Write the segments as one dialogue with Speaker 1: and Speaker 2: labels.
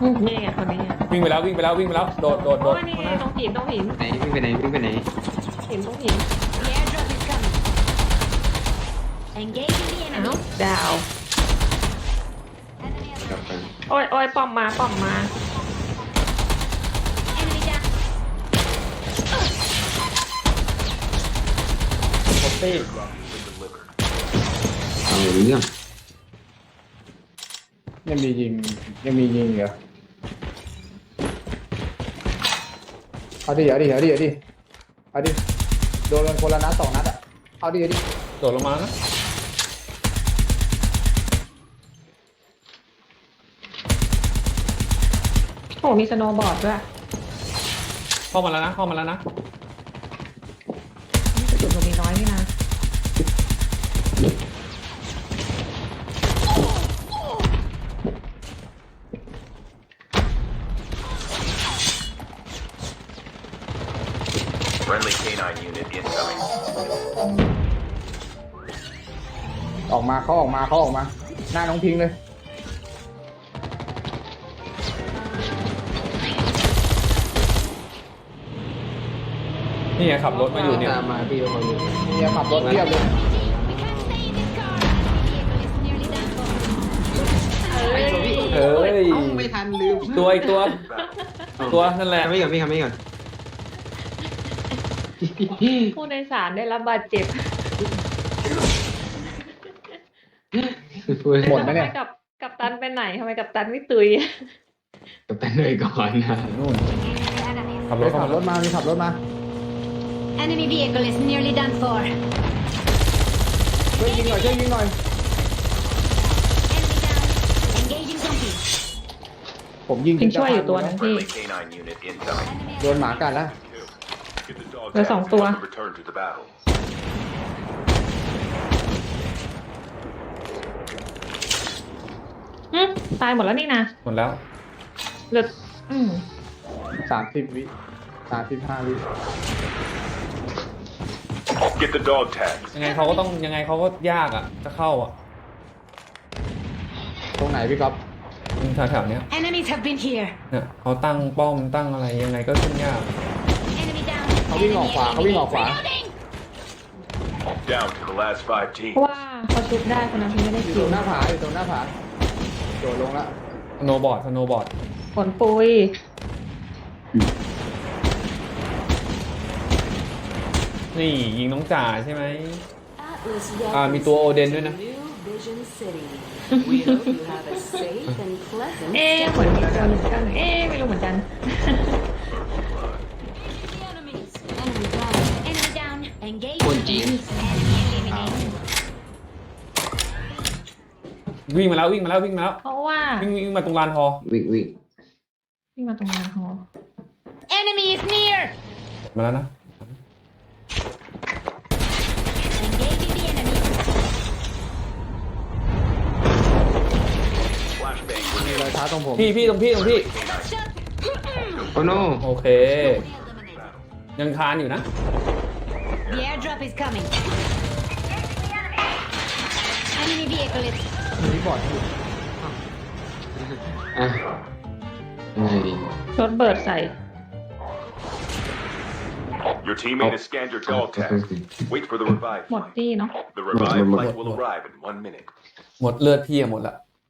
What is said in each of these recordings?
Speaker 1: นี่ไงคนนี้ไง
Speaker 2: วิ่งไปแล้ววิ่งไปแล้ววิ่งไปแล้วโดดโดดโด
Speaker 1: โอ้
Speaker 2: ด
Speaker 1: ยนี่ไงตรงหินตรงหิน
Speaker 3: ไหนวิ่งไปไหนวิ่งไปไหน
Speaker 1: หินตรงหิน
Speaker 4: The airdrop is coming. Engaging the
Speaker 1: อ้าว
Speaker 4: enemy.
Speaker 1: ดาว
Speaker 4: Enemy
Speaker 3: กลับ
Speaker 4: alert.
Speaker 3: ไป
Speaker 1: โอ้ยโอ้ยป้อมมาป้อมมา
Speaker 4: Enemy down.
Speaker 2: หมดตี้
Speaker 3: เอาเรื่อง
Speaker 5: ยังมียิงเหรอเอาดิโดนกันคนละนัด2 นัดอ่ะเอาดิ
Speaker 2: โดดลงมานะ
Speaker 1: โอ้มีสโนว์บอร์ดด้วย
Speaker 2: เข้ามาแล้วนะเข้ามาแล้วนะ
Speaker 1: นี่กระสุนผมมีน้อยนี่นะ
Speaker 6: Friendly canine unit incoming.
Speaker 5: ออกมาเขาออกมาหน้าน้องพิงเลย
Speaker 2: นี่ไงขับรถมาอยู่เนี่ย
Speaker 3: ตามมาพี่เขาอยู่
Speaker 5: เนี่ยขับรถเทียบเลย
Speaker 4: We can't stay in this car. Enemy vehicle is nearly done for.
Speaker 1: เอ้ย
Speaker 2: เฮ้ย
Speaker 3: เอ้าไม่ทันลืม
Speaker 2: ตัวอีกตัวตัวนั่นแหละ
Speaker 3: ทำไม่ก่อนพี่ทำไม่ก่อน
Speaker 1: ผู้โดยสารได้รับบาดเจ็บ
Speaker 5: หมดไหมเนี่ย
Speaker 1: ทำกับตันไปไหนทำไมกับตันไม่ตุย
Speaker 3: กับตันเลยก่อนนะ
Speaker 5: นู่น
Speaker 4: Enemy.
Speaker 2: ขับรถ
Speaker 5: ขั
Speaker 2: เข้า
Speaker 5: บ
Speaker 2: มาร
Speaker 5: ถมาขับรถมา
Speaker 4: Enemy vehicle is nearly done for.
Speaker 5: ช่วยยิงหน่อย
Speaker 4: Enemy down. Engaging zombie.
Speaker 5: ผมยิง
Speaker 1: พิงช่วยอยู่ตัวนึงพี่
Speaker 6: Friendly canine unit incoming.
Speaker 4: Enemy
Speaker 5: โดนหมากัดแล้ว
Speaker 6: Get the dog
Speaker 1: There's
Speaker 6: tags
Speaker 1: song tua.
Speaker 6: and return to the battle.
Speaker 1: ตายหมดแล้วนี่นะ
Speaker 2: หมดแล้ว
Speaker 1: เหลือ
Speaker 5: 30 วิ35 วิ
Speaker 6: Get the dog tags.
Speaker 2: ยังไงเขาก็ต้องยังไงเขาก็ยากอ่ะจะเข้าอ่ะ
Speaker 5: ตรงไหนพี่ก๊อฟ
Speaker 2: แถวๆเนี้ย
Speaker 4: Enemies have been here.
Speaker 2: เนี่ยเขาตั้งป้อมตั้งอะไรยังไงก็ขึ้นยาก
Speaker 4: Enemy down.
Speaker 5: เขาวิ่งออกขวา
Speaker 4: Reloading.
Speaker 6: Down to the last 5
Speaker 1: เพ
Speaker 6: teams.
Speaker 1: ราะว่าเขาชุบได้คนนั้นที่ไม่ได้
Speaker 5: อยู่
Speaker 1: คิ
Speaker 5: ตร
Speaker 1: ว
Speaker 5: งหน้าผาโดดลงแล้ว
Speaker 2: สโนว์บอร์ดสโนว์บอร์ด
Speaker 1: ผลปุย
Speaker 2: นี่ยิงน้องจ่าใช่ไหม
Speaker 7: Atlas
Speaker 2: มีตัวโอเดนด้วยนะ
Speaker 7: New Vision City. We hope you have a safe and pleasant
Speaker 1: เอ๊ะผลมีตัวหนึ่งกันเอ๊ะไม่รู้เหมือนกัน
Speaker 4: Enemies. Enemy down. Enemy down. Engaging
Speaker 3: คนจีน
Speaker 4: zombies. Enemy eliminated.
Speaker 2: วิ่งมาแล้ววิ่งมาแล้ววิ่งมาแล้ว
Speaker 1: เพราะว่า
Speaker 2: วิ่งมาตรงลานฮอ
Speaker 3: วิ่ง
Speaker 1: วิ่งมาตรงงานหอ
Speaker 4: Enemy is near.
Speaker 2: มาแล้วนะ
Speaker 4: Engaging the enemy.
Speaker 6: Flashbang
Speaker 5: มี
Speaker 6: grenade.
Speaker 5: รอยเท้าตรงผม
Speaker 2: พี่ตรงพี่
Speaker 4: I got shot.
Speaker 3: โอ้โน
Speaker 2: โอเค ยังคานอยู่นะ
Speaker 4: The airdrop is coming. Enemy vehicle is.
Speaker 5: มีบอดอยู่
Speaker 3: อ่ะยังไงดี
Speaker 1: รถเบิร์ดใส่
Speaker 6: Your teammate has scanned your dog tags. Wait for the revive
Speaker 1: หมด
Speaker 6: flight.
Speaker 1: ที่เนาะ
Speaker 6: The revive
Speaker 3: Mật.
Speaker 6: flight will arrive in 1 minute.
Speaker 2: หมดเลือดพี่อะหมดละ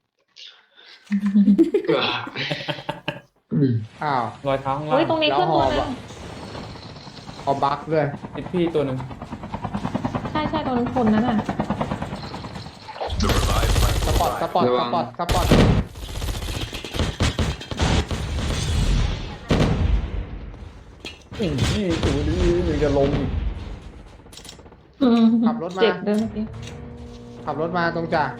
Speaker 5: อ้าว
Speaker 2: รอยเท้าข้างล่า
Speaker 1: เฮ้ย
Speaker 2: ง
Speaker 1: ตรงนี้ขึ้นตัวหนึง
Speaker 5: เอาบั๊กด้วย
Speaker 2: ติดพี่ตัวหนึ่ง
Speaker 1: ใช่ตรงนั้นคนนั้นอ่ะ
Speaker 6: The revive flight
Speaker 5: ส
Speaker 6: will
Speaker 5: ปอต
Speaker 6: arrive.
Speaker 2: นี่ตัวนี้มันจะลงอีก
Speaker 5: ขับรถมา
Speaker 1: เจ็บเดินเมื่อกี้
Speaker 5: ขับรถมาตรงจ่า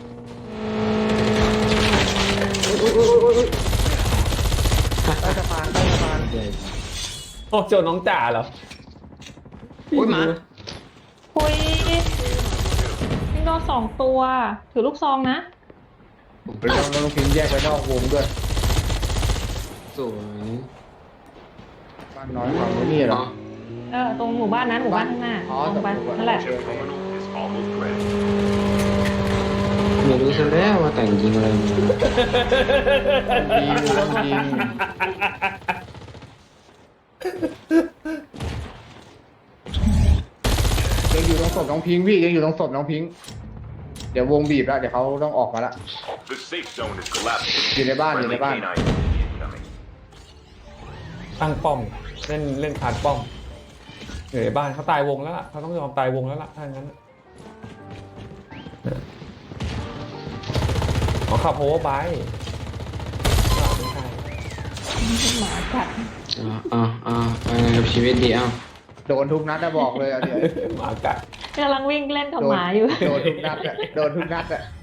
Speaker 5: ใต้สะพาน
Speaker 2: โอ้เจอน้องจ่าเหรอ
Speaker 3: โอ้ยหมา
Speaker 1: คุยนี่โดน2 ตัว ถือลูกซองนะ
Speaker 5: แล้วน้องพิงแยกไปนอกวงด้วย
Speaker 3: สวย
Speaker 5: บ้านน้อยฝั่งนี้เหรอ
Speaker 1: ตรงหมู่บ้านนั้นหมู่บ้านข้างหน้า
Speaker 5: อ๋อ
Speaker 1: ตรงไป
Speaker 5: ตรงหมู่บ้าน
Speaker 1: นั่นแหละ
Speaker 6: Chip terminal is almost ready.
Speaker 3: ไม่รู้ซะแล้วว่าแต่งยิงอะไรมา
Speaker 5: ยิงต้องยิงยังอยู่ตรงศพน้องพิงค์พี่ยังอยู่ตรงศพน้องพิงค์เดี๋ยววงบีบแล้วเดี๋ยวเขาต้องออกมาละ
Speaker 6: The safe zone is collapsing.
Speaker 5: อยู่ในบ้านอยู่ใน
Speaker 6: Friendly
Speaker 5: บ้าน
Speaker 6: canine incoming.
Speaker 2: ตั้งป้อม เล่นคาร์ดป้อมอยู่ในบ้านเขาตายวงแล้วล่ะเขาต้องยอมตายวงแล้วล่ะถ้างั้นน่ะขอขับโฮเวอร์ไบค์ไม่ใช่
Speaker 1: หมากัด
Speaker 3: ไปไงกับชีวิตดี
Speaker 5: โดนทุกนัดนะบอกเลยเอาเดี๋ยว
Speaker 2: หมากัด
Speaker 1: กำลังวิ่งเล่นกับหมาอยู่
Speaker 5: โดนทุกนัดอะโดนทุกนัดอะ